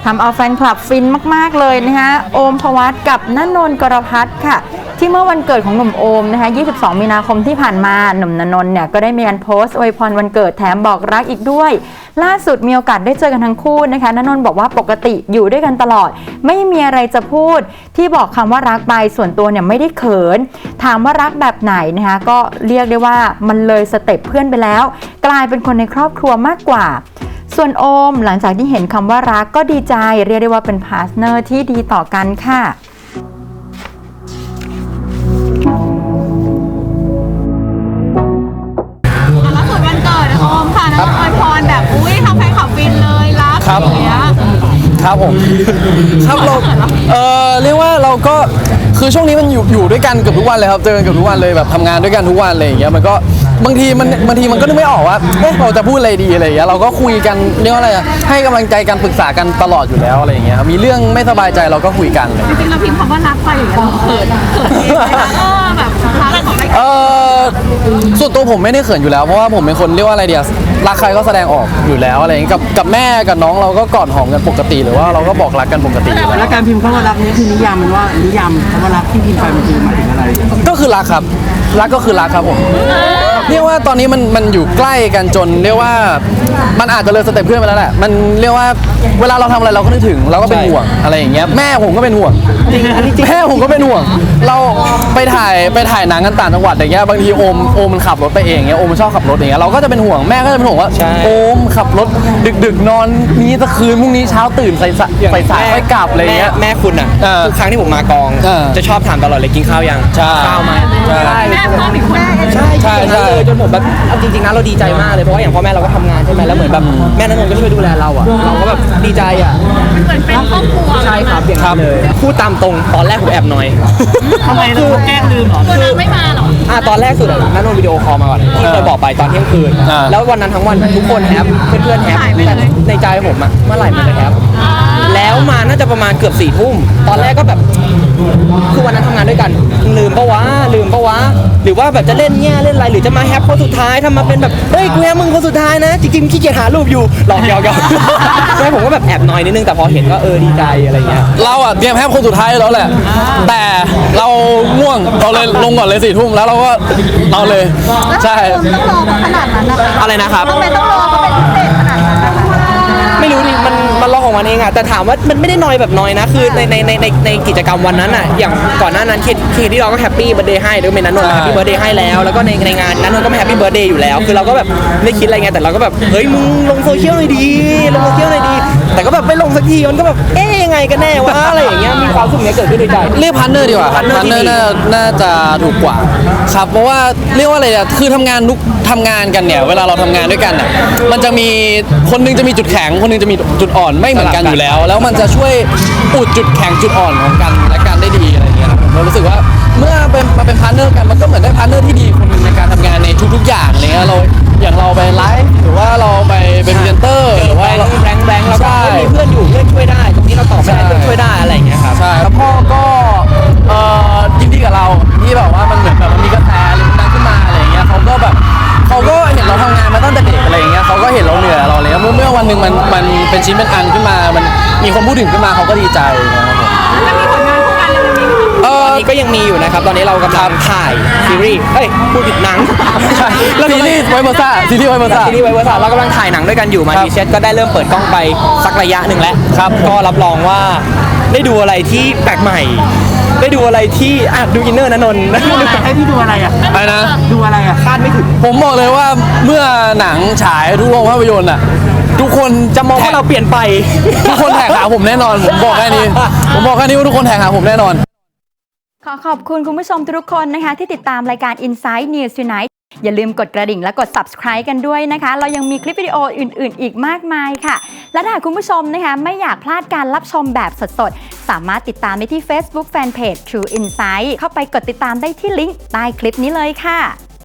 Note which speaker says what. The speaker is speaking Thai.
Speaker 1: ทำเอาแฟนคลับฟินมากๆเลยนะคะโอมพวัตกับณนนท์กรพัฒน์ค่ะที่เมื่อวันเกิดของหนุ่มโอมนะคะ22 มีนาคมที่ผ่านมาหนุ่มณนนท์เนี่ยก็ได้มีการโพสต์อวยพรวันเกิดแถมบอกรักอีกด้วยล่าสุดมีโอกาสได้เจอกันทั้งคู่นะคะณนนท์บอกว่าปกติอยู่ด้วยกันตลอดไม่มีอะไรจะพูดที่บอกคำว่ารักไปส่วนตัวเนี่ยไม่ได้เขินถามว่ารักแบบไหนนะคะก็เรียกได้ว่ามันเลยสเต็ปเพื่อนไปแล้วกลายเป็นคนในครอบครัวมากกว่าส่วนโอมหลังจากที่เห็นคำว่ารักก็ดีใจเรียกได้ว่าเป็นพาร์ทเนอร์ที่ดีต่อกันค่ะ
Speaker 2: ล่าสุดวันเกิดโอมค่ะแล้วอวยพรแบบอุ้ยทำแฟนคลับฟินเลยรักอย่างเงี้ย
Speaker 3: ครับผมครับเราเรียกว่าเราก็คือช่วงนี้มันอยู่ด้วยกันเกือบทุกวันเลยครับเจอกันเกือบทุกวันเลยแบบทำงานด้วยกันทุกวันอะไรอย่างเงี้ยมันก็บางทีมันก็นึกไม่ออกว่าเราจะพูดอะไรดีอะไรอย่างเงี้ยเราก็คุยกันเรียกว่าอะไรให้กำลังใจกันปรึกษากันตลอดอยู่แล้วอะไรอย่างเงี้ยมีเรื่องไม่สบายใจเราก็คุยกัน
Speaker 2: จริงๆเราพิมพ์คำว่ารักไปอย่างเงี้ยเราเขินเองแบบรักของใคร
Speaker 3: ส่วนตัวผมไม่ได้เขินอยู่แล้วเพราะว่าผมเป็นคนเรียกว่าอะไรเดียรักใครก็แสดงออกอยู่แล้วอะไรอย่างเงี้ยกับแม่กับน้องเราก็กอดหอมกันปกติหรือว่าเราก็บอกรักกันปกติ
Speaker 4: แล้วการพิมพ์คำว่ารักนี้คือนิยามมันว่านิยามคำว่ารักที่พิมพ์ไปมันคือหมายถึงอะไร
Speaker 3: ก็คือรักครับรักก็คือรักครับผมเรียกว่าตอนนี้มันอยู่ใกล้กันจนเรียกว่ามันอาจจะเลยสเต็ปเพื่อนไปแล้วแหละมันเรียกว่าเวลาเราทำอะไรเราก็นึกถึงเราก็เป็นห่วงอะไรอย่างเงี้ยแม่ผมก็เป็นห่วงแม่ผมก็เป็นห่วงเราไปถ่ายหนังกันต่างจังหวัดอย่างเงี้ยบางทีโอมมันขับรถไปเองเงี้ยโอมมันชอบขับรถอย่างเงี้ยเราก็จะเป็นห่วงแม่ก็จะเป็นห่วงว่าโอมขับรถดึกนอนนี้ตะคืนพรุ่งนี้เช้าตื่นใส่สายไปกลับอะไรเงี้ย
Speaker 5: แม่คุณอ่ะทุกครั้งที่ผมมากองจะชอบถามตลอดเลยกินข้าวยังข้าวไหม
Speaker 2: แม่พ่อมีคน
Speaker 5: ใช่จนผมแบบจริงๆนะเราดีใจมากเลยเพราะว่าอย่างพ่อแม่เราก็ทำงานใช่ไหมแล้วเหมือนแบบแม่ณนนท์ก็ช่วยดูแลเราอ่ะเราก็แบบดีใจอ่ะ
Speaker 2: เหมือนเป็นครอบครัว
Speaker 5: ใช่ครับอย่างนั้นเลยพูดตามตรงตอนแรกผมแอบน้อย
Speaker 4: ทำไมเราแกล้งลืมหรอ
Speaker 2: ตัวนั้นไม่มาหรอ
Speaker 5: ตอนแรกสุดณนนท์วิดีโอคอลมาก่อนที่เคยบอกไปตอนเที่ยงคืนแล้ววันนั้นทั้งวันทุกคนแฮปเพื่อนๆแฮปแต่ในใจผมอ่ะเมื่อไหร่มันจะแฮปแล้วมาน่าจะประมาณเกือบ4 ทุ่มตอนแรกก็แบบคือวันนั้นทำงานด้วยกันลืมปะวะหรือว่าแบบจะเล่นแง่เล่นอะไรหรือจะมาแฮปคนสุดท้ายทำมาเป็นแบบเฮ้ยกูแฮปมึงคนสุดท้ายนะจริงๆขี้เกียจหารูปอยู่หลอกเยาใช่ผมก็แบบแอบน้อยนิดนึงแต่พอเห็นก็ดีใจอะไรเงี้ย
Speaker 3: เราอ่ะเตรียมแฮปคนสุดท้ายแล้วแหละแต่เราง่วงเราเลยลงก่อนเลย4 ทุ่มแล้วเราก็เอาเลยใช่
Speaker 2: ต้องรอขนาดนั้นนะคะ
Speaker 5: อะไรนะครับ
Speaker 2: ทำไมต้องรอเขาเป็นพิเศษขนาดนั้นนะคะ
Speaker 5: ไม่รู้ดิมันรอของมันเองอะแต่ถามว่ามันไม่ได้น้อยแบบน้อยนะคือในกิจกรรมวันนั้นอะอย่างก่อนหน้านั้นเคที่เราก็แฮปปี้เบิร์ธเดย์ให้หรือเป็นนันนนท์แฮปปี้เบิร์ธเดย์ให้แล้วก็ในงานนันนนท์ก็แฮปปี้เบิร์ธเดย์อยู่แล้วคือเราก็แบบไม่คิดอะไรไงแต่เราก็แบบเฮ้ยมึงลงโซเชียลหน่อยดีแต่ก็แบบไม่ลงสักทีมันก็แบบยังไงกันแน่วะอะไรอย่างเงี้ยมีความสุขเนี้ยเกิดขึ้นในใจ
Speaker 3: เรียกพาร์ทเนอร์ดีกว่าพาร์ทเนอร์น่าจะถูกกว่าครับเพราะว่าเรียกว่าอะไรอะคือทำงานกันเนี่ยเวลาเราทำงานด้วยกันอะมันจะมีคนนึงจะมีจุดแข็งคนนึงจะมีจุดอ่อนไม่เหมือนกันอยู่แล้วมันจะช่วยอุดจุดแข็งจุดอ่อนของกันและกันได้ดีอะไรเงี้ยครับผมรู้สึกว่าเมื่อมาเป็นพาร์ทเนอร์กันมันก็เหมือนได้พาร์ทเนอร์ที่ดีคนนึงในการทำงานในทุกๆอย่างอะไรเงี้ยอย่างเราไปไลฟ์หรือว่าเราไปเป็นพรีเซนเตอร์หรือว่า
Speaker 5: แรงแล้วก็มีเพื่อนอยู่เพื่อนช่วยได้ตรงนี้เราตอบไม่ได้เพื่อนช่วยได้อะไรอย่างเงี้ยครับ
Speaker 3: ใช่แล้วพ่อก็ยินดีกับเราที่แบบว่ามันเหมือนแบบมันมีกระแสอะไรดังขึ้นมาอะไรอย่างเงี้ยเขาก็เห็นเราทำงานมาตั้งแต่เด็กอะไรอย่างเงี้ยเขาก็เห็นเราเหนื่อยเราเลยเมื่อวันหนึ่งมันเป็นชิ้นเป็นอันขึ้นมามันมีคนพูดถึงขึ้นมาเขาก็ดีใจนะครับผม
Speaker 2: แล้วมีผลงานคู่กันเลยมี
Speaker 5: ตอนนี้ก็ยังมีอยู่นะครับตอนนี้เรากำลังถ่ายซีรีส์พูดผิดหนัง
Speaker 3: ซีรีส์ไวเวอร์ซ่า
Speaker 5: เรากำลังถ่ายหนังด้วยกันอยู่มาดีเชสก็ได้เริ่มเปิดกล้องไปสักระยะหนึ่งแล้ว
Speaker 3: ครับ
Speaker 5: ก็รับรองว่าได้ดูอะไรที่แปลกใหม่ได้ดูอะไรที่ดูอินเนอร์ณนนท์
Speaker 4: ให้พี่ดูอะไรอ่ะ
Speaker 3: อะไรนะ
Speaker 4: ดูอะไรอ่ะ
Speaker 5: คาดไม่ถึง
Speaker 3: ผมบอกเลยว่าเมื่อหนังฉายทุกโรงภาพยนตร์อ่ะทุกคน
Speaker 5: จะมองว่าเราเปลี่ยนไป
Speaker 3: ทุกคนแท็กหาผมแน่นอนผมบอกแค่นี้ว่าทุกคนแท็กหาผมแน่นอน
Speaker 1: ขอบคุณคุณผู้ชมทุกคนนะคะที่ติดตามรายการ Inside News Tonight อย่าลืมกดกระดิ่งและกด subscribe กันด้วยนะคะเรายังมีคลิปวิดีโออื่นๆอีกมากมายค่ะและถ้าคุณผู้ชมนะคะไม่อยากพลาดการรับชมแบบสดๆสามารถติดตามได้ที่ Facebook Fanpage True Insight เข้าไปกดติดตามได้ที่ลิงก์ใต้คลิปนี้เลยค่ะ